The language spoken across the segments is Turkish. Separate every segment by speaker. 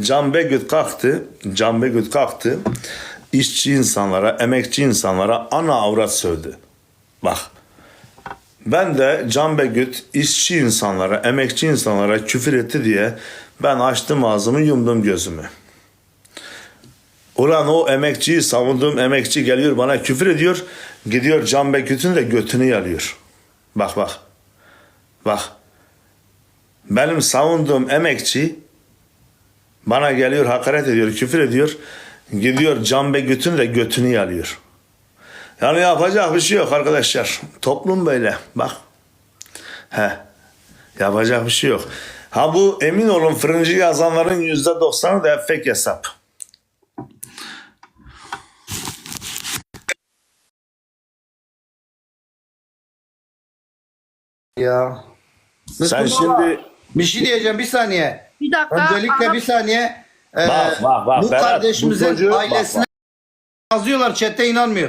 Speaker 1: Can Begüt kalktı. Can Begüt kalktı. İşçi insanlara, emekçi insanlara ana avrat sövdü. Bak. Ben de Can Begüt işçi insanlara, emekçi insanlara küfür etti diye ben açtım ağzımı, yumdum gözümü. Ulan o emekçiyi savunduğum emekçi geliyor bana küfür ediyor. Gidiyor Can Begüt'ün de götünü yalıyor. Bak bak. Bak. Benim savunduğum emekçi bana geliyor, hakaret ediyor, küfür ediyor. Gidiyor Can Begüt'ün de götünü yalıyor. Yani yapacak bir şey yok arkadaşlar. Toplum böyle. Bak. Yapacak bir şey yok. Ha bu emin olun fırıncı yazanların %90'ı da fake hesap.
Speaker 2: Ya.
Speaker 1: Sen
Speaker 2: Müslüm baba,
Speaker 1: şimdi
Speaker 2: bir şey diyeceğim bir saniye.
Speaker 3: Bir dakika.
Speaker 2: Öncelikle
Speaker 3: Aha.
Speaker 2: bir saniye.
Speaker 1: Bak,
Speaker 2: Bu
Speaker 1: Berat,
Speaker 2: kardeşimizin
Speaker 1: bu çocuğu-
Speaker 2: ailesine yazıyorlar, chatte inanmıyor.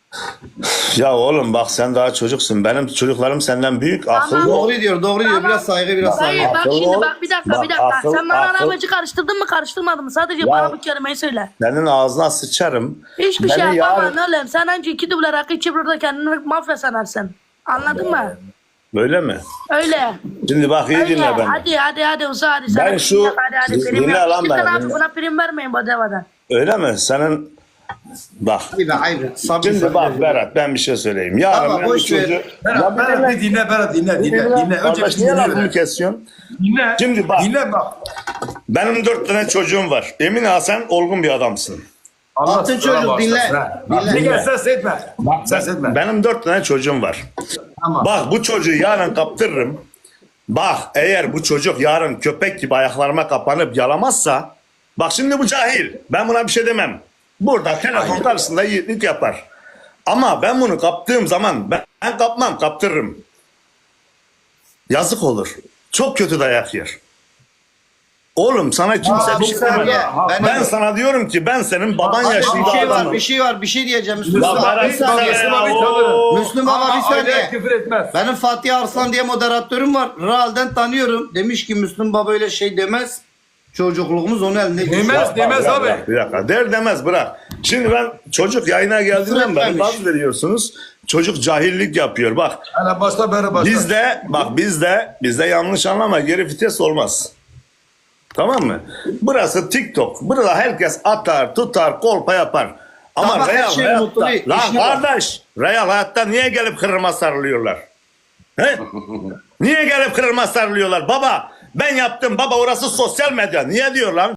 Speaker 1: ya oğlum bak sen daha çocuksun. Benim çocuklarım senden büyük. Akıllı ol.
Speaker 2: Doğru diyor. Biraz saygı, biraz
Speaker 3: Hayır
Speaker 2: saygı.
Speaker 3: bak
Speaker 1: Akıllı
Speaker 3: şimdi
Speaker 1: ol.
Speaker 3: bak bir dakika
Speaker 1: Bak,
Speaker 3: bir dakika.
Speaker 1: akıl-
Speaker 3: Sen bana
Speaker 1: akıl-
Speaker 3: arabacı karıştırdın mı karıştırmadın mı? Sadece bana bu kelimeyi söyle.
Speaker 1: Senin ağzına sıçarım.
Speaker 3: Hiçbir
Speaker 1: Beni
Speaker 3: şey yapamam
Speaker 1: yarın-
Speaker 3: oğlum. Sen önce 2 duble rakı içip burada kendini mafya sanarsın. Anladın mı?
Speaker 1: Böyle mi?
Speaker 3: Öyle.
Speaker 1: Şimdi bak iyi
Speaker 3: Öyle.
Speaker 1: dinle beni.
Speaker 3: Hadi uza hadi. Sana
Speaker 1: Ben şu-
Speaker 3: prim yap, hadi prim
Speaker 1: dinle
Speaker 3: yap.
Speaker 1: lan
Speaker 3: Lütfen
Speaker 1: beni,
Speaker 3: abi
Speaker 1: dinle.
Speaker 3: buna prim vermeyin bu devadan.
Speaker 1: Öyle mi? Senin bak.
Speaker 2: Hayır.
Speaker 1: Şimdi bak Berat ben bir şey söyleyeyim. Yarın
Speaker 2: Ama
Speaker 1: ben
Speaker 2: boş
Speaker 1: bu
Speaker 2: ver.
Speaker 1: çocuğu...
Speaker 4: Berat bir dinle Berat dinle. Önce
Speaker 1: Kardeş
Speaker 4: bir
Speaker 1: niye
Speaker 4: dinle.
Speaker 1: lafımı
Speaker 4: Berat.
Speaker 1: kesiyorsun?
Speaker 4: Dinle.
Speaker 1: Şimdi bak.
Speaker 4: Dinle bak.
Speaker 1: Benim 4 tane çocuğum var. Emin sen olgun bir adamsın.
Speaker 4: Allah
Speaker 2: Altın
Speaker 4: sana
Speaker 2: çocuk,
Speaker 4: bağışlasın,
Speaker 2: dinle.
Speaker 4: ha.
Speaker 2: Dinle.
Speaker 4: Ne gel ses etme. Ses etme.
Speaker 1: Benim 4 tane çocuğum var.
Speaker 4: Tamam.
Speaker 1: Bak bu çocuğu yarın kaptırırım. Bak eğer bu çocuk yarın köpek gibi ayaklarıma kapanıp yalamazsa bak şimdi bu cahil. Ben buna bir şey demem. Burada telefon karşısında yiğitlik yapar. Ama ben bunu kaptığım zaman ben kapmam, kaptırırım. Yazık olur. Çok kötü dayak yer. Oğlum sana kimse bir şey
Speaker 2: saniye.
Speaker 1: demez. Ben sana diyorum ki ben senin baban yaşında adamım.
Speaker 2: Bir şey diyeceğim. Müslüm
Speaker 1: Lan
Speaker 2: baba
Speaker 1: Berat
Speaker 2: bir saniye.
Speaker 1: sen ya,
Speaker 2: Müslüm baba bir
Speaker 4: Aileye
Speaker 2: saniye.
Speaker 4: küfür etmez.
Speaker 2: Benim Fatih Arslan diye moderatörüm var. Real'den tanıyorum. Demiş ki Müslüm baba öyle şey demez. Çocukluğumuz onun elinde.
Speaker 4: Demez
Speaker 1: Bırak,
Speaker 4: abi.
Speaker 1: bırak, bir dakika. Der demez bırak. Şimdi ben çocuk yayına geldiğinden beri
Speaker 2: Bırakmamış.
Speaker 1: gaz veriyorsunuz. Çocuk cahillik yapıyor. Bak
Speaker 4: Hele başla beri başla.
Speaker 1: bizde yanlış anlama geri vites olmaz. Tamam mı? Burası TikTok. Burada herkes atar, tutar, kolpa yapar. Ama
Speaker 2: Tamam, her
Speaker 1: real
Speaker 2: şey
Speaker 1: hayatta.
Speaker 2: mutlu değil,
Speaker 1: Lan
Speaker 2: işine bak.
Speaker 1: kardeş, real hayatta niye gelip kırılma sarılıyorlar? He? Niye gelip kırılma sarılıyorlar? Baba ben yaptım. Baba orası sosyal medya. Niye diyor lan?